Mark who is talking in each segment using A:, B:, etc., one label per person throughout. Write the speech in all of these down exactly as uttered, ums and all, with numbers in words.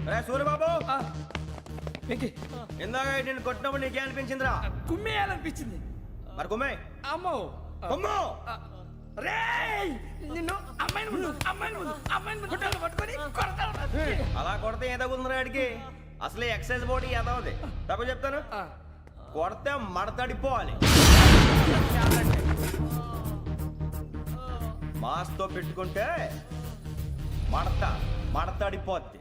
A: సూర్యబాబు ఇందాక నేను కొట్టినప్పుడు నీకే అనిపించిందిరా?
B: కుమ్మేయాలనిపించింది.
A: మరి కుమ్మే.
B: అమ్మో
A: కుమ్ము.
B: రేయ్ నిన్ను అమ్మాయిని ముందు అమ్మాయిని ముందు అమ్మాయిని ముందు గుడ్డలు పట్టుకొని కొడతాను.
A: అలా కొడితే ఏ తగ్గుతుందిరా ఆడికి? అసలే ఎక్సైజ్ బాడీ ఏదవుది. తప్ప చెప్తాను, కొడితే మడతడిపోవాలి. మాస్తో పెట్టుకుంటే మడత మడతడిపోద్ది.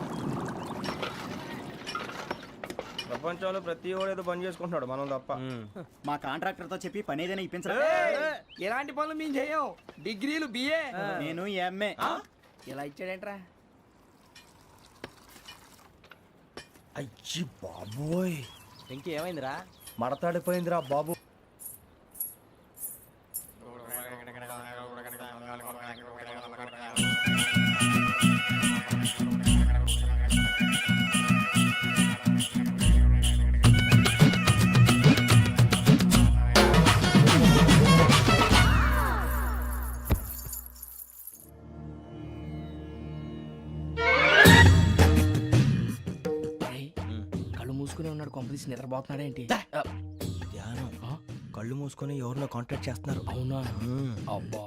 A: ప్రపంచంలో ప్రతి వాడు ఏదో పని చేసుకుంటున్నాడు, మనం తప్ప.
C: మా కాంట్రాక్టర్ తో చెప్పి పని ఏదైనా ఇప్పించరా?
B: ఎలాంటి పనులు మేము చేయం. డిగ్రీలు బిఏ,
C: నేను ఎంఏ.
B: ఇలా ఇచ్చాడేంట్రా?
A: అయ్యి బాబోయ్,
B: ఇంకేమైందిరా?
A: మడతాడిపోయిందిరా బాబు.
B: కళ్ళు మూసుకునే ఉన్నాడు, కొంపదీసి నిద్రపోతున్నాడేంటి?
A: ధ్యానం. కళ్ళు మూసుకొని ఎవరినో కాంటాక్ట్ చేస్తున్నారు.
B: అవునా? అబ్బా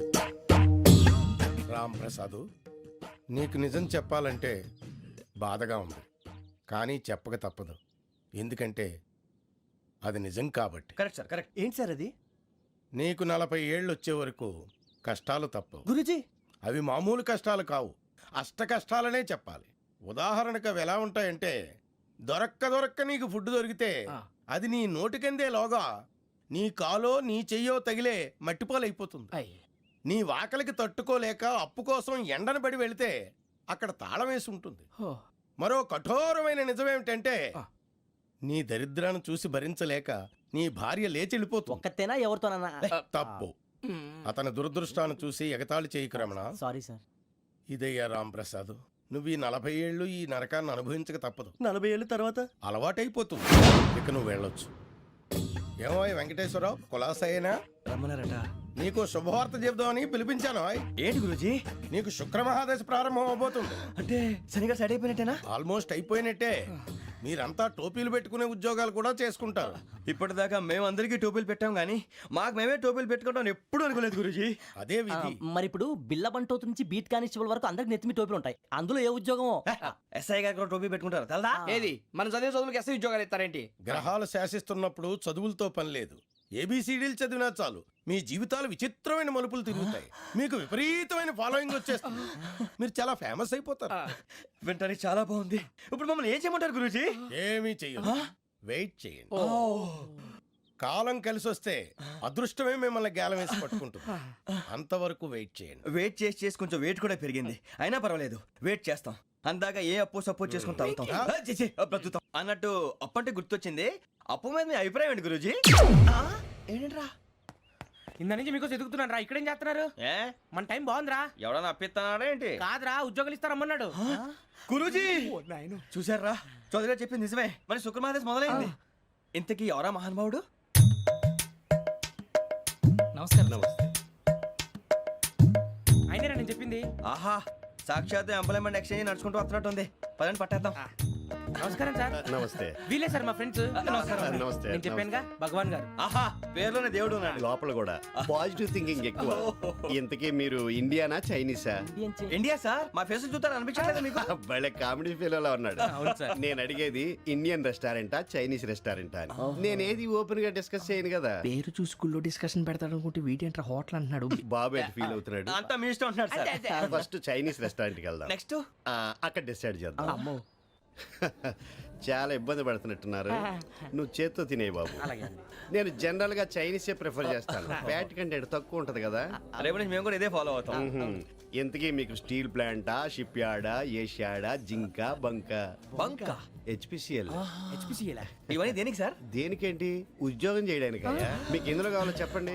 D: రామ్ ప్రసాద్, నీకు నిజం చెప్పాలంటే బాధగా ఉంది, కానీ చెప్పక తప్పదు. ఎందుకంటే అది నిజం కాబట్టి.
A: Correct sir, correct.
C: ఏంటి సార్ అది?
D: నీకు నలభై ఏళ్ళు వచ్చే వరకు కష్టాలు తప్పవు.
C: గురుజీ,
D: అవి మామూలు కష్టాలు కావు, అష్ట కష్టాలనే చెప్పాలి. ఉదాహరణకు అవి ఎలా ఉంటాయంటే, దొరక్క దొరక్క నీకు ఫుడ్ దొరికితే అది నీ నోటికందే లోగా నీ కాలో నీ చెయ్యో తగిలే మట్టిపాలైపోతుంది. నీ వాకలికి తట్టుకోలేక అప్పు కోసం ఎండను పడి వెళితే అక్కడ తాళం వేసి ఉంటుంది. మరో కఠోరమైన నిజమేమిటంటే, నీ దరిద్రాన్ని చూసి భరించలేక నీ భార్య లేచి వెళ్ళిపోతుంది.
C: ఒక్కతేనా ఎవరితోనన్నా?
D: తప్పు. అతని దురదృష్టాన్ని చూసి ఎగతాళి చేయకు రమణ.
C: Sorry sir.
D: ఇదయ్యా రాంప్రసాద్, నువ్వు ఈ నలభై ఏళ్ళు ఈ నరకాన్ని అనుభవించక తప్పదు.
C: నలభై ఏళ్ళ తర్వాత
D: అలవాటైపోతుంది. ఇక నువ్వు వెళ్ళొచ్చు. ఏమో వెంకటేశ్వరరావు, కులాసైనా
A: రమ్మన్నారట.
D: నీకు శుభవార్త చెబుదామని పిలిపించాను.
A: ఏంటి గురూజీ?
D: నీకు శుక్రమహాదశ ప్రారంభం అవబోతుంది.
A: అంటే శనిగా సెట్ అయిపోయినట్టేనా?
D: ఆల్మోస్ట్ అయిపోయినట్టే. మీరంతా టోపీలు పెట్టుకునే ఉద్యోగాలు కూడా చేసుకుంటారు.
A: ఇప్పటిదాకా మేము అందరికీ టోపీలు పెట్టాం గానీ మాకు మేమే టోపీలు పెట్టుకుంటాం ఎప్పుడు అనుకోలేదు గురూజీ.
D: అదే విధి.
C: మరి ఇప్పుడు బిల్ల బంటోతు నుంచి బీట్ కానిస్టేబుల్ వరకు అందరికి నెత్తిమి టోపీలు ఉంటాయి. అందులో ఏ ఉద్యోగం?
A: ఎస్ఐ గారు కూడా టోపీ పెట్టుకుంటారు తెలదా?
B: ఏది మన చదివే చదువులకు ఎస్ఐ ఉద్యోగాలు ఇస్తారేంటి?
D: గ్రహాలు శాసిస్తున్నప్పుడు చదువులతో పని లేదు. ఏబిసిడీలు చదివినా చాలు మీ జీవితాలు విచిత్రమైన మలుపులు తిరుగుతాయి. మీకు విపరీతమైన ఫాలోయింగ్ వచ్చేస్తుంది. మీరు చాలా ఫేమస్ అయిపోతారు.
A: వింటానికి చాలా బాగుంది. ఇప్పుడు మమ్మల్ని ఏం చేయమంటారు గురూజీ?
D: ఏమీ చెయ్యదు, వెయిట్ చేయండి. కాలం కలిసి వస్తే అదృష్టమే మిమ్మల్ని గేలం వేసి పట్టుకుంటుంది. అంతవరకు వెయిట్ చేయండి.
A: వెయిట్ చేసి చేసి కొంచెం వెయిట్ కూడా పెరిగింది. అయినా పర్వాలేదు, వెయిట్ చేస్తాం. అందాక ఏ అప్పు సపోర్ట్ చేసుకుని తాగుతాం, బ్రతుకుతాం అన్నట్టు. అప్పు అంటే గుర్తొచ్చింది, అప్పు మీద మీ అభిప్రాయం ఏంటి గురూజీ? ఏంటరా
B: ఇంత నుంచి మీకు ఎదుగుతున్నాను రా. ఇక్కడేం చేస్తున్నారు?
A: ఏ
B: మన టైం బాగుందిరా.
A: ఎవడన్నా అప్పిస్తున్నాడా ఏంటి?
B: కాదురా, ఉద్యోగాలు ఇస్తారమ్మన్నాడు
A: గురూజీ. చూసారా, చౌదరిగా చెప్పింది నిజమే. మరి శుక్రమహాదేశ్ మొదలైంది. ఇంతకీ ఎవరా మహానుభావుడు?
B: నమస్కారం. నమస్తే. అయినరా నేను చెప్పింది?
A: ఆహా, సాక్షాత్ ఎంప్లాయ్మెంట్ ఎక్స్చేంజ్ నడుచుకుంటూ వస్తున్నట్టు ఉంది. పదండి పట్టేద్దాం.
B: నమస్కారం సార్.
E: నమస్తే.
B: వీలే సార్ మా ఫ్రెండ్స్.
A: నమస్కారం.
E: నమస్తే.
B: నేను చెప్పానుగా భగవాన్ గారు.
A: ఆహా, పేరులోనే దేవుడు ఉన్నాడు.
E: లోపల కూడా పాజిటివ్ థింకింగ్ ఎక్కువ. ఇంతకీ మీరు ఇండియానా చైనీసా?
A: India sir. మా ఫేస్ చూస్తారు అనిపించలేదు మీకు?
E: భలే కామెడీ ఫీల్ అలా ఉన్నాడు.
B: అవును సార్.
E: నేను అడిగేది ఇండియన్ రెస్టారెంటా చైనీస్ రెస్టారెంటా అని. నేనేది ఓపెన్ గా డిస్కస్ చేయను కదా.
B: పేరు చూసి స్కూల్లో డిస్కషన్ పెడతాడు అనుకుంటే వీటేంట్రా హోటల్ అంటున్నాడు.
E: బాబు ఎట్ ఫీల్ అవుతున్నాడు.
A: అంతా మీ ఇష్టం అంటున్నాడు సార్.
E: ఫస్ట్ చైనీస్ రెస్టారెంట్ కి వెళ్దాం.
A: నెక్స్ట్
E: అక్కడ డిసైడ్ చేద్దాం.
B: అమ్మో,
E: చాలా ఇబ్బంది పడుతున్నట్టున్నారు. నువ్వు చేత్తో తినే బాబు. నేను జనరల్ గా చైనీసే ప్రిఫర్ చేస్తాను. ఫ్యాట్ కంటెంట్ తక్కువ ఉంటది కదా.
A: రేపు నుంచి మేము కూడా ఇదే ఫాలో అవుతాం.
E: ఎంతకీ మీకు స్టీల్ ప్లాంటా, షిప్ యార్డా, ఏషియాడా, జింక, బంక?
A: బంక,
E: హెచ్పిసిఎల్.
B: హెచ్పిసిఎల్
A: ఇవన్నీ దేనికి సార్?
E: దేనికేంటి? ఉద్యోగం చేయడానికి. మీకు ఎందులో కావాలో చెప్పండి.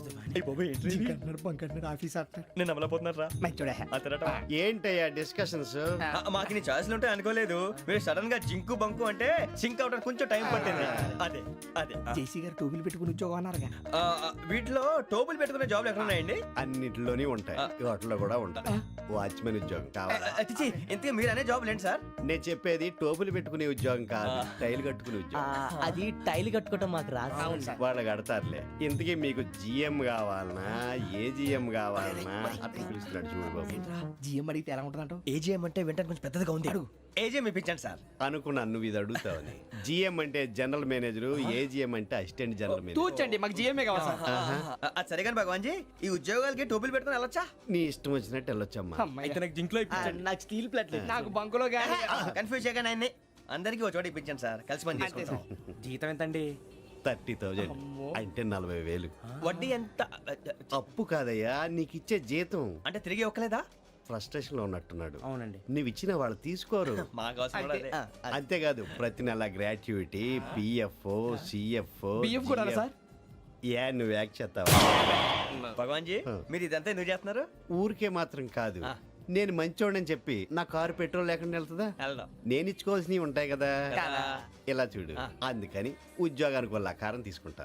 A: నేను అమలపోతున్నారా?
E: ఏంటయ్యా డిస్కషన్స్?
A: మాకు నీ ఛాయిస్లు ఉంటాయి అనుకోలేదు. మీరు సడన్ గా జింకు బంకు అంటే సింక్ అవడానికి కొంచెం టైం పట్టింది. అదే అదే
B: జేసీ గారు టోపీలు పెట్టుకుని ఉద్యోగం అన్నారుగా.
A: వీటిలో టోపులు పెట్టుకునే జాబ్లు ఎక్కడ ఉన్నాయండి?
E: అన్నిటిలోనే ఉంటాయి, వాటిలో కూడా ఉంటది వాచ్మెన్ ఉద్యోగం కావాలా
A: అతిచి ఇంతకీ మీరు అనే జాబ్ లేండి సార్.
E: నేను చెప్పేది టోపులు పెట్టుకునే ఉద్యోగం కాదు టైల్ కట్టుకునే
C: ఆ,
E: ఉద్యోగం.
C: అది టైల్ కట్టుకోవటం మాకు రాదు.
E: వాళ్ళు కడతారులే. ఇంతకీ మీకు జిఎం కావాలనా ఏ జిఎం కావాలనా అట్లా పిలుస్తున్నాడు చూడు బాబు.
B: జిఎం అడిగితే ఎలా ఉంటుందంట?
A: ఏజీఎం అంటే వెంటనే కొంచెం పెద్దదిగా ఉంది. ఏజీఎం ఇప్పించండి సార్.
E: అనుకున్నాను నువ్వు ఇది అడుగుతావని. జిఎం అంటే జనరల్ మేనేజర్, ఏజిఎం అంటే అసిస్టెంట్ జనరల్ మేనేజర్.
B: తూచండి, మాకు జిఎంఏ కావాలి సార్.
A: అది సరే కానీ భగవాన్ జీ, ఈ ఉద్యోగాలకి టోపీలు పెట్టుకుని వెళ్ళొచ్చా?
E: నీ ఇష్టం వచ్చినట్టు వెళ్ళొచ్చమ్మా.
B: అయితే నాకు జింక్లో ఇప్పించండి.
C: నాకు స్టీల్ ప్లేట్
B: నాకు బంకులో కానీ.
A: కన్ఫ్యూజ్ చేయగానే ఆయన్ని అందరికీ ఒక చోట ఇప్పించండి సార్, కలిసి పని చేసుకుంటాం.
B: జీతం ఎంతండి?
E: థర్టీ థౌజండ్ అంటే నలభై వేలు.
A: వడ్డీ ఎంత?
E: అప్పు కాదయ్యా నీకు ఇచ్చే జీతం.
A: అంటే తిరిగి ఒక్కలేదా?
E: ఫ్రస్ట్రేషన్ లో ఉన్నట్టున్నాడు.
B: అవునండి.
E: నువ్వు ఇచ్చిన వాళ్ళు తీసుకోరు.
A: మాకు అవసరం కూడా అదే.
E: అంతేకాదు ప్రతి నెల గ్రాట్యుటీ, పిఎఫ్, సిఎఫ్.
B: బియ్యం కూడా సార్?
E: ఏ నువ్వు యాక్ చేస్తావా?
A: భగవాన్ జీ, మీరు ఇదంతా ఎందుకు చేస్తున్నారు?
E: ఊరికే మాత్రం కాదు, నేను మంచోడని చెప్పి నా కారు పెట్రోల్ లేకుండా వెళ్తుందా?
A: వెళ్దాం.
E: నేను ఇచ్చుకోవాల్సినవి ఉంటాయి కదా,
A: కదా.
E: ఇలా చూడు. అందుకని ఉద్యోగానికి వాళ్ళ ఆకారం తీసుకుంటా.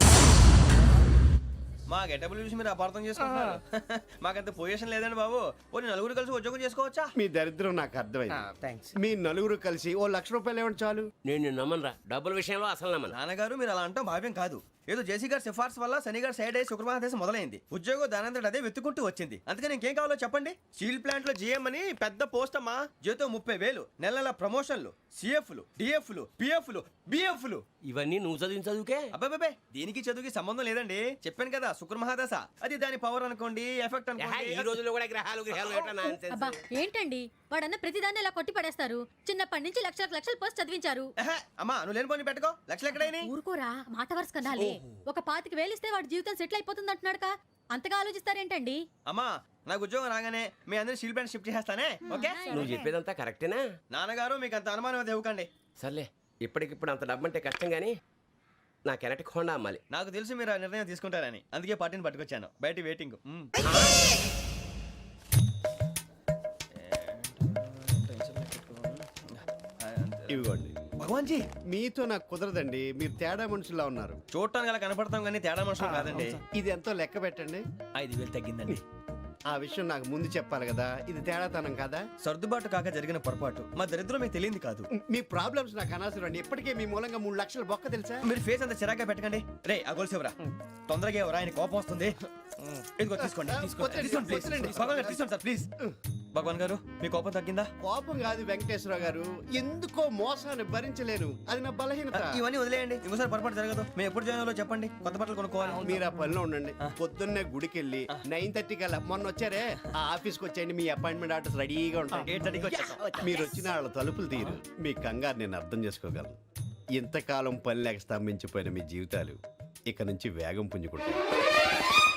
A: మా గెటబుల్ చూసి మీరు అపార్థం చేసుకుంటున్నారు. మాకంత పొజిషన్ లేదండి బాబు. పోనీ నలుగురు కలిసి ఉద్యోగం చేసుకోవచ్చా?
E: మీ దరిద్రం నాకు అర్థమైంది.
B: థ్యాంక్స్.
E: మీ నలుగురు కలిసి ఓ లక్ష రూపాయలు ఇవ్వండి చాలు.
F: నేను నమ్మనరా డబ్బుల విషయంలో అసలు నమ్మను.
A: నాన్నగారు మీరు అలా అంటాం భావ్యం కాదు. ఏదో జేసీ గారి సిఫార్సు వల్ల శని గారు సైడ్ అయ్యి శుక్రమహాదేశం మొదలైంది. ఉద్యోగం దానంతటి అదే వెతుకుంటూ వచ్చింది. అందుకని ఇంకేం కావాలో చెప్పండి. స్టీల్ ప్లాంట్ లో జీఎం అని పెద్ద పోస్ట్ అమ్మా. జీతం ముప్పై వేలు, నెల నెల ప్రమోషన్లు, సిఎఫ్లు, డిఎఫ్లు, పిఎఫ్లు, బిఎఫ్లు.
F: ఇవన్నీ నువ్వు చదివిన చదువుకే.
A: అబ్బాబే దీనికి చదువుకి సంబంధం లేదండి. చెప్పాను కదా శుక్రమహాదశ, అది దాని పవర్ అనుకోండి, ఎఫెక్ట్
F: ఏహే, ఈ
A: అనుకోండి.
F: రోజుల్లో కూడా గ్రహాలు గ్రహాలు ఏటా nonsense?
G: అబ్బా ఏంటండి వాడన్న ప్రతిదాన్ని ఇలా కొట్టి పడేస్తారు. చిన్నప్పటి నుంచి లక్షలకు లక్షలు పోస్ట్ చదివించారు.
A: ఎహె, అమ్మా నువ్వు లేని పోనీ పెట్టుకో. లక్షలు ఎక్కడైనా
G: ఊరుకోరా, మాట వరుస కదాలే. ఒక పాతికి వేలిస్తే వాడి జీవితం సెటిల్ అయిపోతుంది అంటున్నాడుగా, అంతగా ఆలోచిస్తారేంటండి?
A: అమ్మా నాకు ఉద్యోగం రాగానే మీ అందరినీ స్టీల్ ప్లాంట్ షిఫ్ట్ చేస్తానే. ఓకే
F: నువ్వు చెప్పేదంతా కరెక్టేనా?
A: నాన్నగారు మీకు అంత అనుమానం అది ఇవ్వకండి.
F: సర్లే, ఇప్పటికిప్పుడు అంత డబ్బు అంటే కష్టం కానీ నా కెనటిక్ హోండా అమ్మాలి.
A: నాకు తెలుసు మీరు ఆ నిర్ణయం తీసుకుంటారని, అందుకే పార్టీని పట్టుకొచ్చాను. బయట వెయిటింగ్. మ్మ్.
E: ఇవ్వండి.
A: భగవాన్ జీ,
E: మీతో నాకు కుదరదండి, మీరు తేడా మనుషుల్లా ఉన్నారు.
A: చూడటానికి అలా కనపడతాం కానీ తేడా మనుషులు కాదండి.
E: ఇది ఎంతో లెక్క పెట్టండి.
A: ఐదు వేలు తగ్గిందండి.
E: ఆ విషయం నాకు ముందు చెప్పాలి కదా, ఇది తేడాతనం కదా.
A: సర్దుబాటు కాక జరిగిన పొరపాటు. మా దరిద్రం మీకు తెలియంది కాదు.
E: మీ ప్రాబ్లమ్స్ నాకు అనవసరం అండి. ఇప్పటికే మీ మూలంగా మూడు లక్షలు బొక్క తెలుసా.
A: మీరు ఫేస్ అంత చిరాగ్గా పెట్టకండి. రే ఆ గొలుసు ఎవరా? తొందరగా ఎవరా, ఆయన కోపం వస్తుంది. ఇదిగో తీసుకోండి. తీసుకోండి. తీసుకోండి, please. భగవాన్ గారు తీసుకోండి సార్ ప్లీజ్. భగవాన్ గారు మీ కోపం తగ్గిందా?
E: కోపం కాదు వెంకటేశ్వర గారు, ఎందుకో మోసాన్ని భరించలేను, అది నా బలహీనత.
A: ఇవన్నీ వదిలేయండి, ఇంకోసారి పొరపాటు జరగదు. మేము ఎప్పుడు జాయిన్ అవ్వాలో చెప్పండి, కొత్త బట్టలు కొనుక్కోవాలి.
E: మీరు ఆ పనిలో ఉండండి. పొద్దున్నే గుడికి వెళ్ళి నైన్ థర్టీ కల్లా మొన్న వచ్చారే ఆ ఆఫీస్కి వచ్చేయండి. మీ అపాయింట్మెంట్ ఆర్డర్స్ రెడీగా ఉంటాయి.
A: ఎయిట్ థర్టీకి వచ్చేస్తాం.
E: మీరు వచ్చిన వాళ్ళ తలుపులు తీరు. మీ కంగారు నేను అర్థం చేసుకోగలను. ఇంతకాలం పని లేక స్తంభించిపోయిన మీ జీవితాలు ఇక నుంచి వేగం పుంజుకుంటాయి.